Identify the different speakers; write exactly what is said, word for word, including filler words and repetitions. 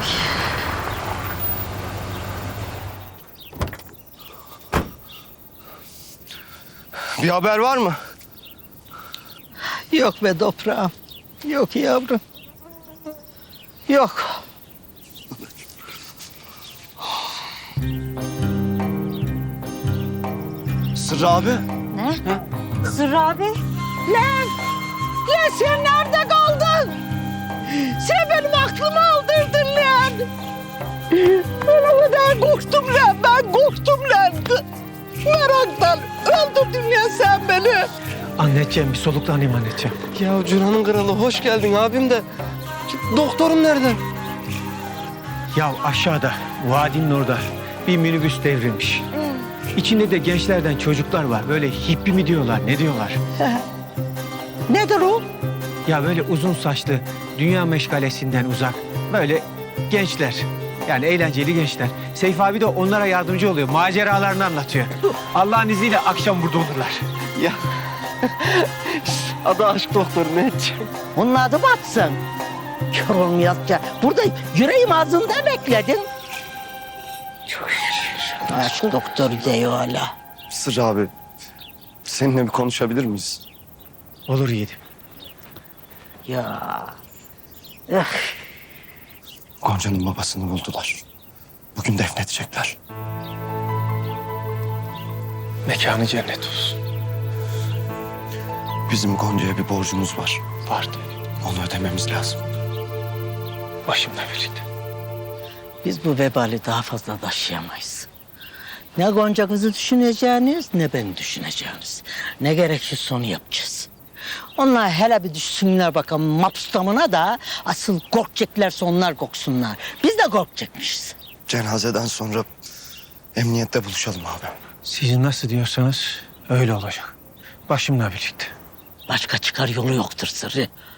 Speaker 1: Bir haber var mı?
Speaker 2: Yok be toprağım. Yok yavrum. Yok.
Speaker 1: Sırrı abi.
Speaker 3: Ne? Sırrı abi?
Speaker 2: Lan! Lan sen nerede kaldın? Sen benim aklımı aldırdın lan. Ben o kadar korktum lan. Ben korktum lan. Meraktan öldürdün ya sen beni.
Speaker 4: Anneciğim bir soluklanayım anneciğim.
Speaker 1: Ya Cunan'ın kralı hoş geldin abim de. Doktorum nerede?
Speaker 4: Ya aşağıda vadinin orada bir minibüs devrilmiş. İçinde de gençlerden çocuklar var. Böyle hippi mi diyorlar ne diyorlar?
Speaker 2: Nedir o?
Speaker 4: Ya böyle uzun saçlı dünya meşgalesinden uzak böyle gençler. Yani eğlenceli gençler. Seyfi abi de onlara yardımcı oluyor. Maceralarını anlatıyor. Allah'ın izniyle akşam burada olurlar.
Speaker 1: Ya adı aşk doktoru ne edeceğim?
Speaker 2: Onun adı batsın. Kör olmayacak. Burada yüreğim ağzında bekledin. Aşk doktoru diyor hala.
Speaker 1: Sırrı abi seninle bir konuşabilir miyiz?
Speaker 4: Olur yiğidim.
Speaker 2: Ya. Eh.
Speaker 1: Gonca'nın babasını buldular. Bugün defnedecekler.
Speaker 4: Mekanı cennet olsun.
Speaker 1: Bizim Gonca'ya bir borcumuz var.
Speaker 4: Vardı.
Speaker 1: Onu ödememiz lazım.
Speaker 4: Başımla birlikte.
Speaker 2: Biz bu vebali daha fazla taşıyamayız. Ne Gonca kızı düşüneceğiniz ne beni düşüneceğiniz. Ne gerekirse onu yapacağız. Onlar hele bir düşsünler bakalım mapustamına da asıl korkacaklarsa onlar korksunlar. Biz de korkacakmışız.
Speaker 1: Cenazeden sonra emniyette buluşalım abi.
Speaker 4: Siz nasıl diyorsanız öyle olacak. Başımla birlikte.
Speaker 2: Başka çıkar yolu yoktur Sırrı.